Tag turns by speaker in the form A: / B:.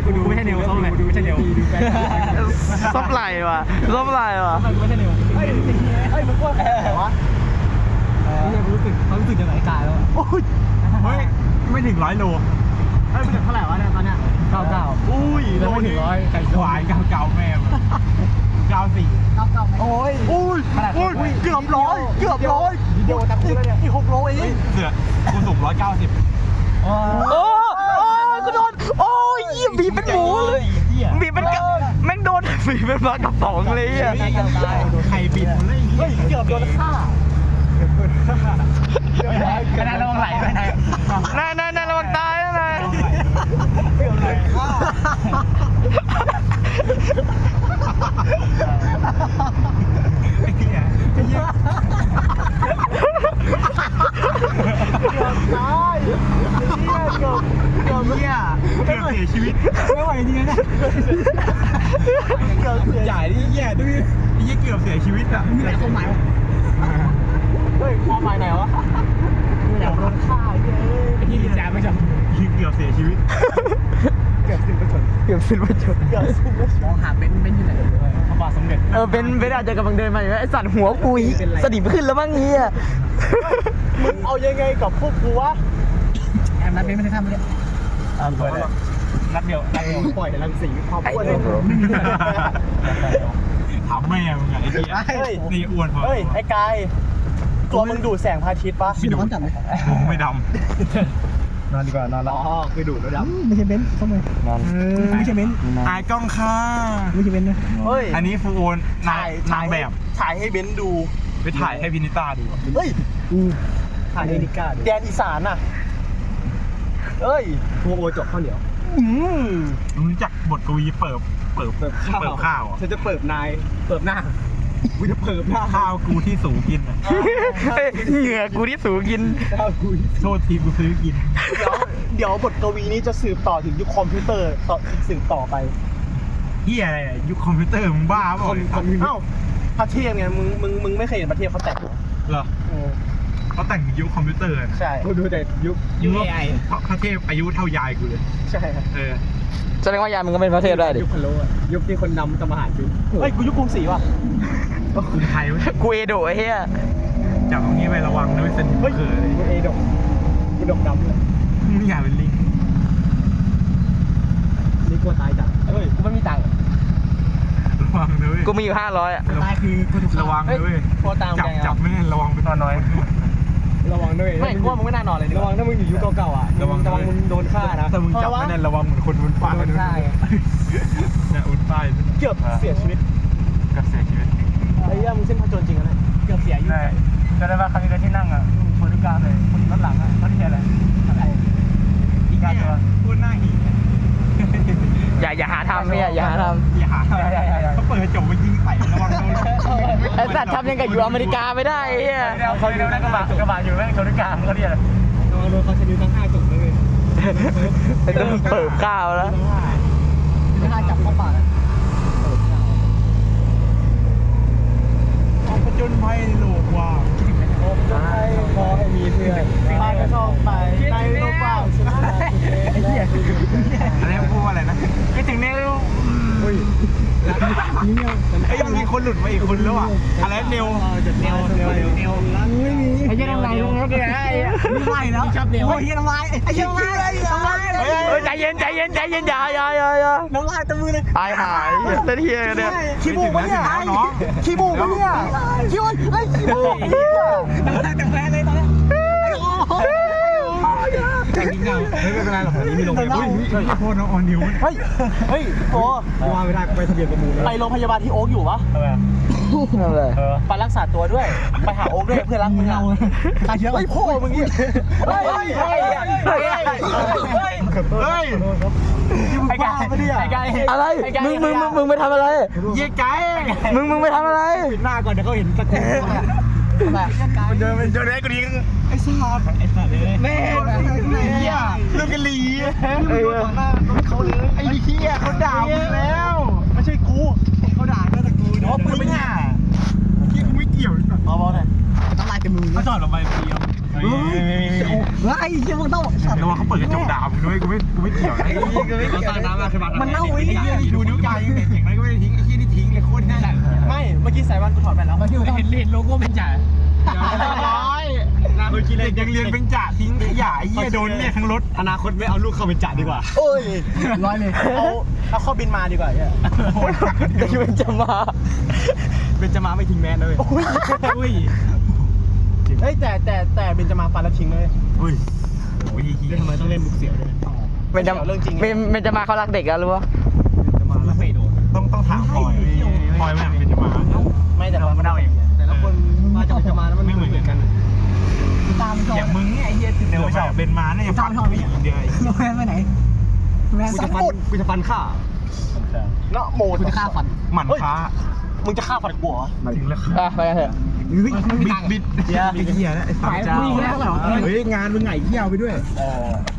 A: กูดูไม่ใช่เนวส้มเลยไม่ใช่เนว
B: ส้มไหลว่ะส้มไหลว่ะ
A: ไม่ใช่เนวเฮ้ยมันกว้างแค่ไหนวะนี่รู้สึกเขารู้สึกยังไงกายแล้วเฮ้ยไม่ถึง100 โลเฮ้ยไม่ถึงเท่าไหร่วะเนี่ยตอนเนี้ย99อุ้ยแล้วไม่ถึง100ไก่หวาน99แม่94โอ้ยเกือบ100เดี๋ยวตะคุแล้วเนี่ยอีก6 โลเองเสือกูสูง190
B: โอ้กูโดนโอ้ยยี่บีเป็นหมูเลยบีเป็นแม่งโดนบีเป็นปลากระป๋องเลยอ่ะ
A: ไข่บินเลยเฮ้ยเกือบโดนฆ่าไม่ได้ระวังไหลไม่ได้
B: น่าระวังตายนะ
A: เกือบไหลฆ่าไอ้เหี้ยตายเกือบเสียชีวิตไม่ไหวจริงๆนะเกือบเสียใหญ่ที่แย่ด้วยนี่เกือบเสียชีวิตอ่ะมีอะไรความหมายวะเฮ้ยความหมายไหนวะอยากโดนฆ่าไอ้ที่ดีแจไม่จำเกือบเสียชีวิตเกือบสิ้นประชนมองหาเบนอยู่ไหนพระบาทสมเด็จ
B: เบนอาจจะกำลังเดินมาอยู่ไอ้สัตว์หัวกุยสนิมขึ้นแล้วมั้งเฮีย
A: มึงเอายังไงกับพวกกูวะแอมนัดเบนไม่ได้ทำเลยเปิดนัดเดียวปล่อยแต่รังสีความอ้วนเลยถามแม่มึงไงไอ้เหี้ยนี่อ้วนพอเฮ้ยไอ้กายตัวมึงดูดแสงพระอาทิตย์ปะไม่ดูดมึงไม่ดำนอนดีกว่านอนแล้วอ๋อคือดูดแล้วดำไม่ใช่เบนเข้ามาไม่ใช่เบนถ่ายกล้องค่ะไม่ใช่เบนนะเฮ้ยอันนี้ฟูโอนนางแบบถ่ายให้เบนดูไปถ่ายให้พินิต้าดูเฮ้ยถ่ายให้นิก้าดูแดนอีสานน่ะเอ้ยฟูโอจบข้าวเหนียวรู้จักบทกวีเปิบข้าวฉันจะเปิบนายเปิบหน้ากูจะเปิบหน้าข้าวกูที่สูงกิน
B: เหงื่อกูที่สูงกิน
A: ข้าวกูโทษทีกูซื้อกินเดี๋ยวบทกวีนี้จะสืบต่อถึงยุคคอมพิวเตอร์สืบต่อไปเฮียอะไรยุคคอมพิวเตอร์มึงบ้าเปล่าเอ้าพระเทพไงมึงไม่เคยเห็นพระเทพเขาแต่งเหรอเขาแต่งยุคคอมพิวเตอร์ใช่กูดูแต่ยุค AI พระเทพอายุเท่ายายกูเลยใช่
B: แสดงว่ายายมึงก็เป็นพระเทพได้ดิ
A: ยุคพะโล้ยุคที่คนนำทำอาหารอยู่เฮ้ยกูยุคกรุงศรีว่ะกรุงไทย
B: กูเอโดะไอ้เหี้ย
A: จับตรงนี้ไประวังนะไม่สนิทเกิดเลยกูเอโดะกูดกดำเลยมึงอยากเป็นลิงนี่กลัวตายจังเฮ้ยกูไม่มีตังค์ระวังนะเว้ย
B: กูมีอยู่500อ่ะ
A: ตายคือกูถูกระวังนะเว้ยจับไม่ได้ระวังเป็นตัวน้อยระวังด้วยไม่กลัวมึงไม่น่านอนเลยระวังถ้ามึงอยู่ยุคเก่าๆอ่ะระวังมึงโดนฆ่านะแต่มึงจับไม่ได้ระวังเหมือนคนบนป้ายโดนฆ่าไงเนี่ยบนป้ายเกือบเสียชีวิตไอ้ย่ามึงเส้นผจญจริงนะเกือบเสียอยู่จะได้ว่าครั้งนี้ที่นั่งอ่ะคนที่กลางเลยคนด้านหลังอ่ะเขาที่อะไรอีกการตัวพูดหน้าหี
B: อย่าหาทำเนี่ยอย่าหาทำ
A: เขาเปิดจบไปยิงใส่ระวังโดน
B: ไอ้สัตว์ทำยังไงอยู่อเมริกาไม่ได้เฮีย
A: เขาเรียกกระบะอยู่แม่งชนกลางเขาเรียกโดนเขาชนิดทั้ง5จุดเลย
B: ต้องเปิดข้าวแล้ว
A: ไม่น่าจับเข้าปากผจญภัยโลกว่าขอให้มีเพื่อนพากันท่องไปในโลกกว้างไอ้เหี้ยอะไรพูดว่าอะไรนะคิดถึงเนวไอ้ยังมีคนหลุดมาอีกคนแล้วอ่ะอะไรเนวไม่มีไอ้เหี้ยน้ำลายลงแล้วแกไม่ไหวแล้วชอบเนวไอ้เหี้ยน้ำลายไอ้เหี้ยน้ำลาย
B: ใจเย็นอย่า
A: น้ำลายตะมือเลย
B: หายเต้นเฮียเนี่ย
A: ขี้บูปะเนี่ยขี้บูปะเนี่ยขี้บูไอ้ขี้บูน้ำลายเต็มแผลเลยตอนนี้แต่งเงาไม่เป็นไรหรอกอันนี้มีโรงพยาบาลโคตรน้องออนนิวเฮ้ยโอ้ว่าไม่ได้ไปทะเบียนประมูลไปโรงพยาบาลที่โอ๊กอยู่ปะไปรักษาตัวด้วยไปหาโอ๊กด้วยเพื่อนรักมึงเราตายเยอะไอ้พ่อมึงเนี่ยไอ้ไก่
B: อะไรมึงไปทำอะไร
A: เย้ไก่
B: มึงไปทำอะไร
A: ปิดหน้าก่อนเดี๋ยวเขาเห็นตะโกนมันเดินได้กูดีไอ้สัตว์แม่เฮียเรื่องกันลีต่อหน้าเขาเลยไอ้เฮียเขาด่ามึงแล้วไม่ใช่กูเขาด่าก็แต่กูเพราะมึงอ่ะที่กูไม่เกี่ยวพอๆเลยน้ำลายเต็มมือเขาจอดลงไปเดียวไอ้เหี้ยมึงต้องระวังเขาเปิดกระจกด่ามึงด้วยกูไม่เกี่ยวนะเขาสร้างน้ำมาคือมันเน่าไอ้เหี้ยดูนิ้วกลางยังเห็นอย่างนั้นก็ไม่ได้ทิ้งไอ้เหี้ยนี่ทิ้งเลยโคตรแน่ไม่เมื่อกี้สายวันกูถอดไปแล้วเห็นโลโก้เป็นจ่าเด็กยังเรียนเป็นจ่าทิ้งขยะไอ้เหี้ยโดนเนี่ยทั้งรถอนาคตไม่เอาลูกเข้าเป็นจ่าดีกว่าโอ้ยร้อยเลยเอาข้อบินมาดีกว่าเนี่ยเบนจะมาไม่ทิ้งแมนเลยอุ้ยเฮ้ยแต่เบนจะมาฟันแล้วทิ้งเลยอุ้ยโอ้ยทำไมต้องเล่นบุกเสียวด้วยเป็นเรื่องจริงเป็นจะมาเขารักเด็กอะรู้ปะจะมาแล้วไม่โดนต้องถามพลอยไม่เป็นจะมาไม่แต่เราเดาเองแต่ละคนมาจะมาแล้วมันไม่เหมือนกันตามอย่างมึงเนี่ยไอ้เหี้ยเดี๋ยวชอบเบนมาเนี่ยฟันเดียวแมนไปไหนแมนกูจะฟันฆ่าเนาะโมกูจะฆ่าฟันหมั่นค้ามึงจะฆ่าฟันกูเหรอถึงแล้วไปกันเถอะบิดเหี้ยนะไอ้ฝั่งเจ้าเฮ้ยงานมึงไงเหี้ยไปด้วย